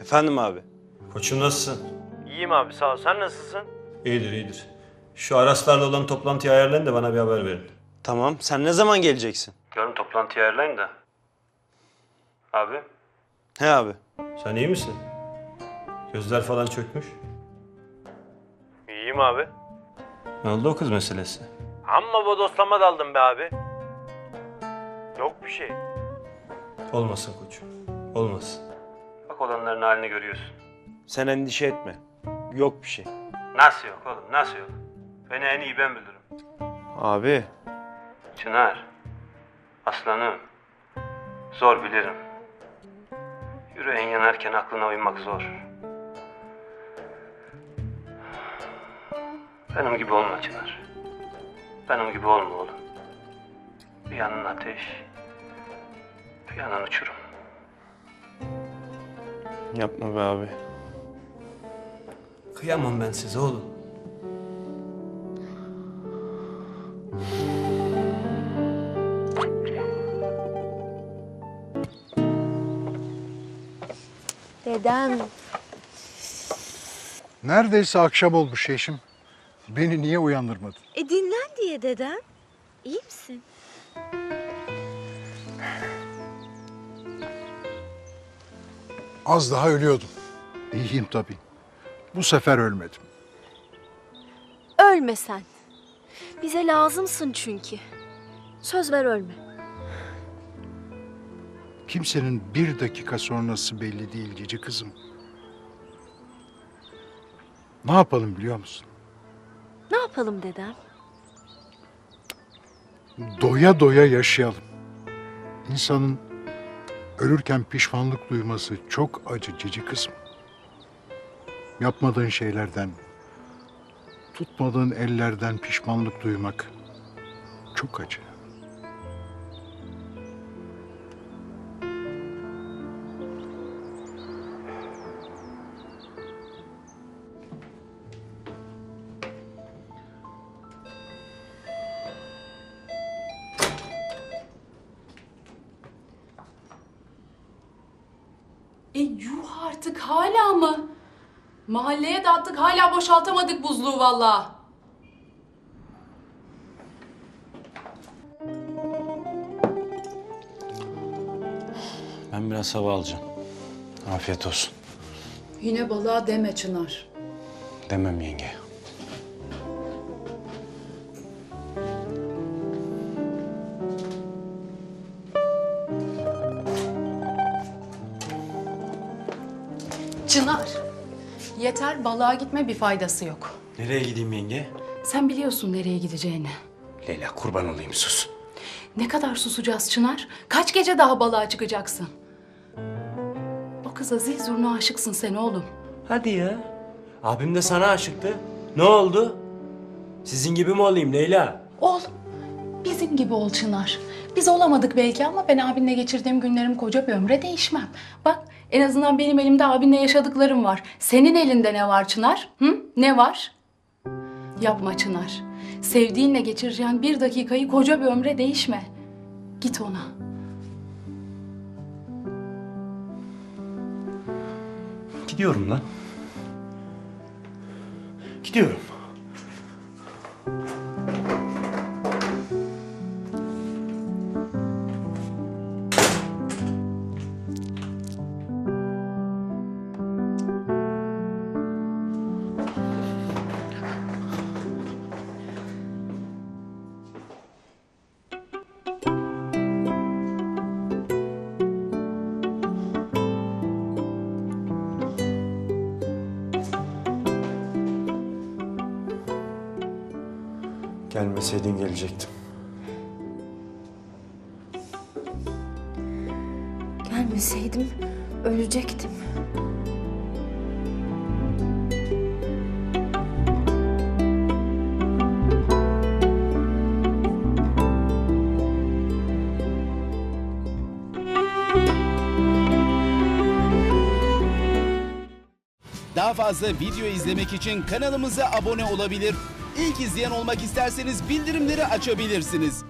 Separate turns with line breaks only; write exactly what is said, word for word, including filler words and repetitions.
Efendim abi.
Koçum nasılsın?
İyiyim abi sağ ol. Sen nasılsın?
İyidir iyidir. Şu Araslarla olan toplantıyı ayarlayın da bana bir haber verin.
Tamam. Sen ne zaman geleceksin?
Yarın toplantıyı ayarlayın da. Abi
He abi.
sen iyi misin? Gözler falan çökmüş.
İyiyim abi.
Ne oldu o kız meselesi?
Amma bodoslama daldım be abi. Yok bir şey.
Olmasın koçum. Olmasın. Bak olanların halini görüyorsun.
Sen endişe etme. Yok bir şey.
Nasıl yok oğlum nasıl yok? Beni en iyi ben bilirim.
Abi.
Çınar. Aslanım. Zor bilirim. Yüreğin yanarken aklına uymak zor. Benim gibi olma Çınar. Benim gibi olma oğlum. Bir yanın ateş, bir yanın uçurum.
Yapma be abi.
Kıyamam ben size oğlum.
Dedem.
Neredeyse akşam olmuş eşim. Beni niye uyandırmadın?
E dinlen diye dedem. İyi misin?
Az daha ölüyordum. İyiyim tabii. Bu sefer ölmedim.
Ölme sen. Bize lazımsın çünkü. Söz ver ölme.
Kimsenin bir dakika sonrası belli değil cici kızım. Ne yapalım biliyor musun?
Ne yapalım dedem?
Doya doya yaşayalım. İnsanın ölürken pişmanlık duyması çok acı cici kızım. Yapmadığın şeylerden, tutmadığın ellerden pişmanlık duymak çok acı.
E yuh artık hala mı? Mahalleye dağıttık hala boşaltamadık buzluğu vallahi.
Ben biraz hava alacağım. Afiyet olsun.
Yine balığa deme Çınar.
Demem yenge.
Çınar. Yeter balığa gitme bir faydası yok.
Nereye gideyim yenge?
Sen biliyorsun nereye gideceğini.
Leyla kurban olayım sus.
Ne kadar susacağız Çınar? Kaç gece daha balığa çıkacaksın? O kıza zil zurna aşıksın sen oğlum.
Hadi ya. Abim de sana aşıktı. Ne oldu? Sizin gibi mi olayım Leyla?
Ol. Bizim gibi ol Çınar. Biz olamadık belki ama ben abinle geçirdiğim günlerim koca bir ömre değişmem. Bak en azından benim elimde abinle yaşadıklarım var. Senin elinde ne var Çınar? Hı? Ne var? Yapma Çınar. Sevdiğinle geçireceğin bir dakikayı koca bir ömre değişme. Git ona.
Gidiyorum lan. Gidiyorum.
Gelmeseydin gelecektim.
Gelmeseydim ölecektim.
Daha fazla video izlemek için kanalımıza abone olabilir. İlk izleyen olmak isterseniz bildirimleri açabilirsiniz.